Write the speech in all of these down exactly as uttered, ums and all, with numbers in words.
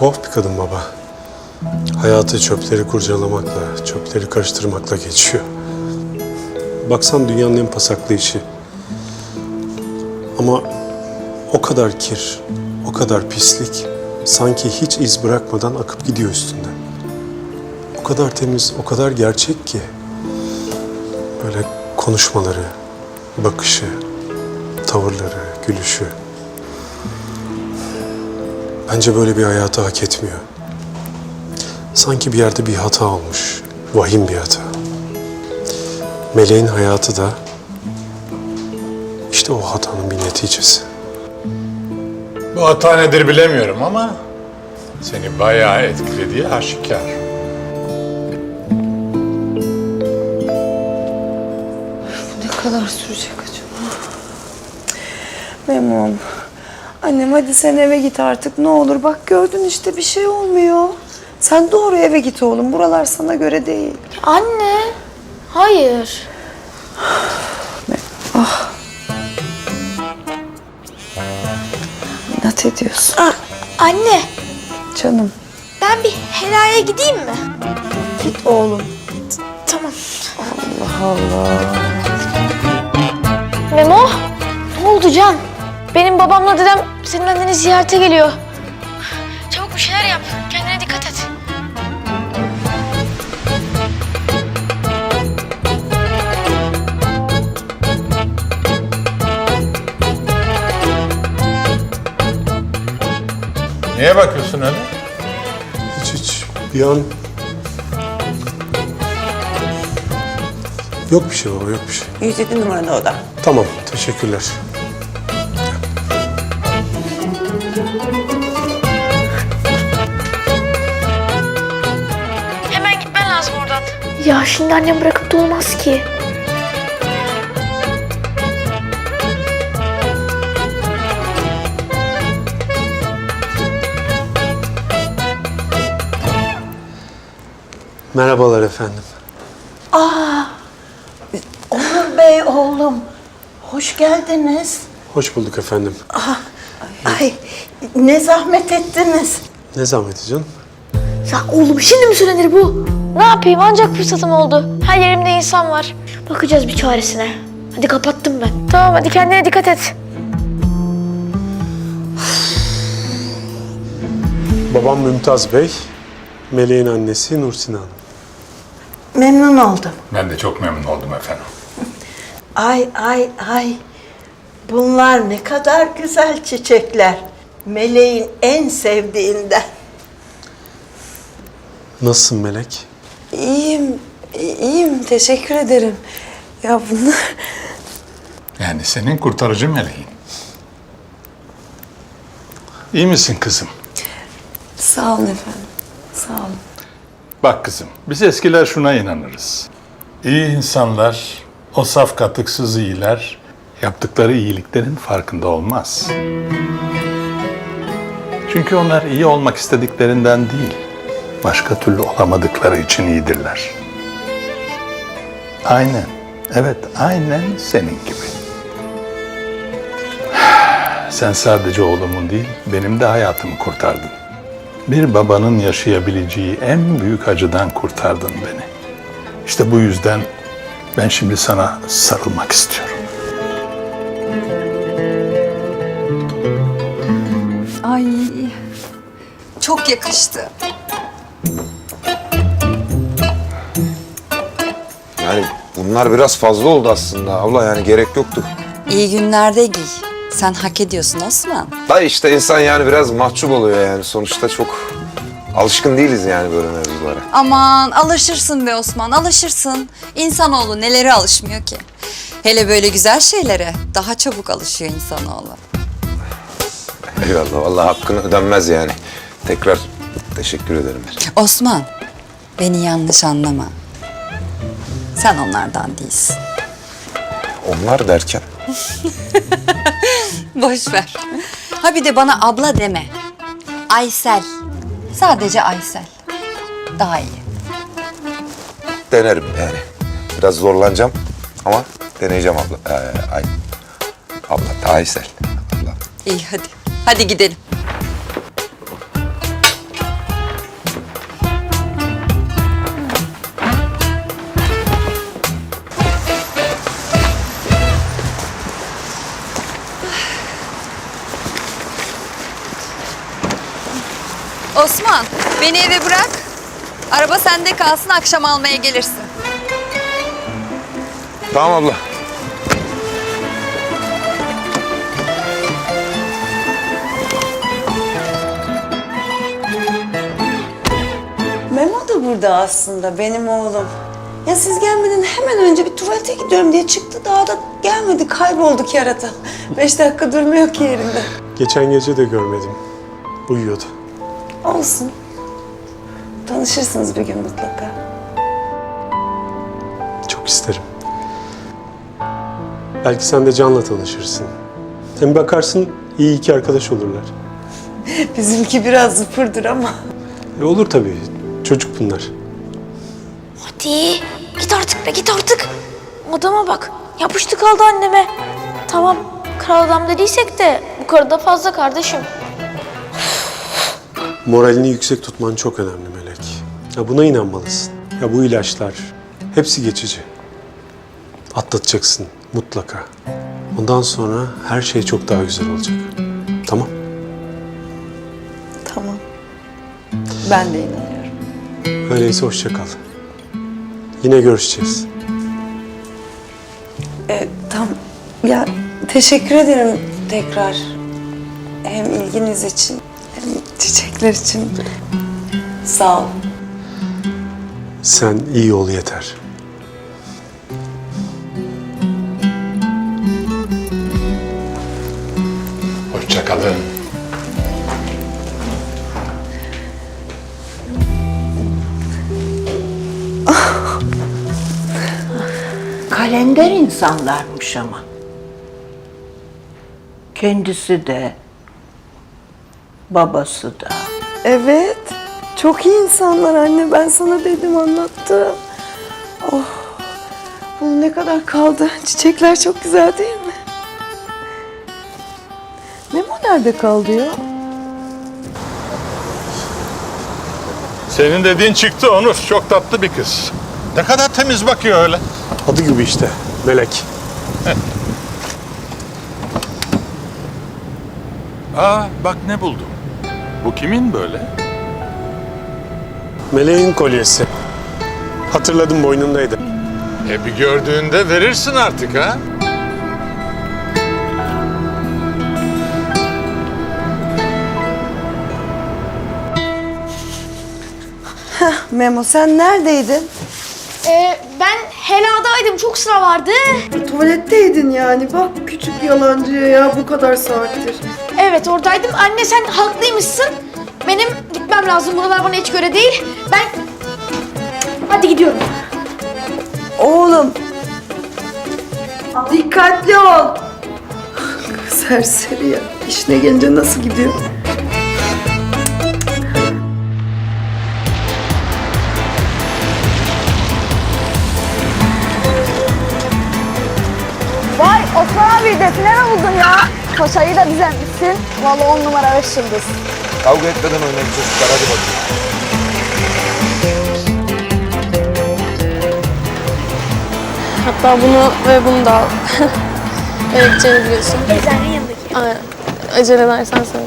tuhaf bir kadın baba. Hayatı çöpleri kurcalamakla, çöpleri karıştırmakla geçiyor. Baksan dünyanın en pasaklı işi. Ama o kadar kir, o kadar pislik, sanki hiç iz bırakmadan akıp gidiyor üstünden. O kadar temiz, o kadar gerçek ki. Böyle konuşmaları, bakışı, tavırları, gülüşü. Bence böyle bir hayatı hak etmiyor. Sanki bir yerde bir hata olmuş, vahim bir hata. Meleğin hayatı da işte o hatanın bir neticesi. Bu hata nedir bilemiyorum ama seni bayağı etkilediği aşikar. Ne kadar sürecek acaba? Memnun. Annem hadi sen eve git artık ne olur. Bak gördün işte bir şey olmuyor. Sen doğru eve git oğlum. Buralar sana göre değil. Anne, hayır. Ah. İnat ediyorsun. Aa, anne, Canım. ben bir helaya gideyim mi? Git oğlum. Tamam. Allah Allah. Memo, ne oldu Can? Benim babamla dedem senin anneni ziyarete geliyor. Çabuk bir şeyler yap. Kendine dikkat et. Niye bakıyorsun öyle? Hiç hiç bir an... Yok bir şey baba, yok bir şey. yüz yedi numaralı oda. Tamam, teşekkürler. Hemen gitmen lazım oradan. Ya şimdi annem bırakıp da olmaz ki. Merhabalar efendim. Onur Bey oğlum, hoş geldiniz. Hoş bulduk efendim. Ay, ne zahmet ettiniz. Ne zahmeti canım? Ya oğlum şimdi mi söylenir bu? Ne yapayım ancak fırsatım oldu. Her yerimde insan var. Bakacağız bir çaresine. Hadi kapattım ben. Tamam hadi kendine dikkat et. Babam Mümtaz Bey, Meleğin annesi Nursina Hanım. Memnun oldum. Ben de çok memnun oldum efendim. Ay ay ay, bunlar ne kadar güzel çiçekler. Meleğin en sevdiğinden. Nasılsın Melek? İyiyim. iyiyim. Teşekkür ederim. Ya bunlar... Yani senin kurtarıcı meleğin. İyi misin kızım? Sağ olun efendim. Sağ olun. Bak kızım, biz eskiler şuna inanırız. İyi insanlar, o saf katıksız iyiler, yaptıkları iyiliklerin farkında olmaz. Çünkü onlar iyi olmak istediklerinden değil, başka türlü olamadıkları için iyidirler. Aynen, evet aynen senin gibi. Sen sadece oğlumun değil, benim de hayatımı kurtardın. Bir babanın yaşayabileceği en büyük acıdan kurtardın beni. İşte bu yüzden ben şimdi sana sarılmak istiyorum. Ay, çok yakıştı. Yani bunlar biraz fazla oldu aslında abla, yani gerek yoktu. İyi günlerde giy. Sen hak ediyorsun Osman. Da işte insan yani biraz mahcup oluyor yani, sonuçta çok alışkın değiliz yani böyle mevzulara. Aman alışırsın be Osman, alışırsın. İnsanoğlu nelere alışmıyor ki? Hele böyle güzel şeylere daha çabuk alışıyor insanoğlu. Eyvallah, vallahi hakkını ödenmez yani. Tekrar teşekkür ederim. Osman, beni yanlış anlama. Sen onlardan değilsin. Onlar derken? Boş ver. Ha bir de bana abla deme. Aysel. Sadece Aysel. Daha iyi. Denerim yani. Biraz zorlanacağım ama deneyeceğim abla. Ee, ay, abla, Aysel. Abla. İyi hadi. Hadi gidelim. Osman, beni eve bırak. Araba sende kalsın, akşam almaya gelirsin. Tamam abla. Memo da burada aslında, benim oğlum. Ya siz gelmeden hemen önce bir tuvalete gidiyorum diye çıktı. Daha da gelmedi, kayboldu kerata. Beş dakika durmuyor ki yerinde. Geçen gece de görmedim. Uyuyordu. Olsun. Tanışırsınız bir gün mutlaka. Çok isterim. Belki sen de Can'la tanışırsın. Hem bakarsın iyi iki arkadaş olurlar. Bizimki biraz zıpırdır ama. E olur tabii. Çocuk bunlar. Hadi git artık be, git artık. Adama bak, yapıştı kaldı anneme. Tamam, kral adam dediysek de bu karıda fazla kardeşim. Moralini yüksek tutman çok önemli Melek. Ya buna inanmalısın. Ya bu ilaçlar hepsi geçici. Atlatacaksın mutlaka. Ondan sonra her şey çok daha güzel olacak. Tamam? Tamam. Ben de inanıyorum. Öyleyse hoşça kal. Yine görüşeceğiz. E, tam ya teşekkür ederim tekrar. Hem ilginiz için hem çiçekler için. Sağ ol. Sen iyi ol yeter. Hoşça kalın. Kalender insanlarmış ama. Kendisi de, babası da. Evet. Çok iyi insanlar anne. Ben sana dedim, anlattım. Oh. Bunun ne kadar kaldı? Çiçekler çok güzel değil mi? Memo nerede kaldı ya? Senin dediğin çıktı Onur. Çok tatlı bir kız. Ne kadar temiz bakıyor öyle. Adı gibi işte. Melek. Aa bak ne buldum. Bu kimin böyle? Meleğin kolyesi. Hatırladım, boynundaydı. E bir gördüğünde verirsin artık ha. Memo sen neredeydin? Ee, ben heladaydım, çok sıra vardı. Tuvaletteydin yani. Bak küçük yalancıya ya, bu kadar saattir. Evet, oradaydım. Anne sen haklıymışsın. Benim gitmem lazım, buralar bana hiç göre değil. Ben... Hadi gidiyorum. Oğlum. Dikkatli ol. Serseri ya. İşine gelince nasıl gidiyor? Vay Osman abi, define mi buldun ya? Paşayı da düzenmişsin. Vallahi on numara beş yıldız. Kavga etmeden oynayın çocuklar, hadi bakayım. Hatta bunu ve bunu da al. Ne gideceğini biliyorsun. Teyzenin yanındaki. Aynen. Acele edersen söyle.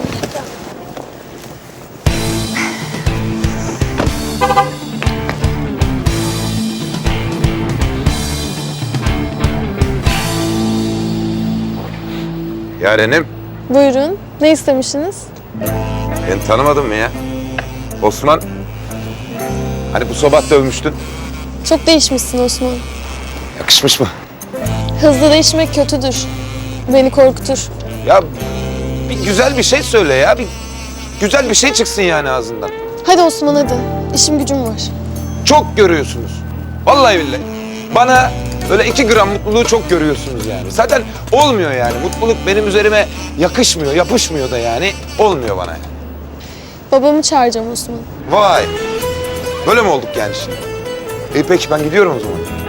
Yarenim, Buyurun. Ne istemişsiniz? beni tanımadın mı ya? Osman, hani bu sabah dövmüştün. Çok değişmişsin Osman. Yakışmış mı? Hızlı değişmek kötüdür. Beni korkutur. Ya bir güzel bir şey söyle ya. Bir güzel bir şey çıksın yani ağzından. Hadi Osman hadi. İşim gücüm var. Çok görüyorsunuz. Vallahi billahi. Bana böyle iki gram mutluluğu çok görüyorsunuz yani. Zaten olmuyor yani. Mutluluk benim üzerime yakışmıyor, yapışmıyor da yani. Olmuyor bana yani. Babamı çağıracağım Osman. Vay. Böyle mi olduk yani şimdi? İyi peki ben gidiyorum o zaman.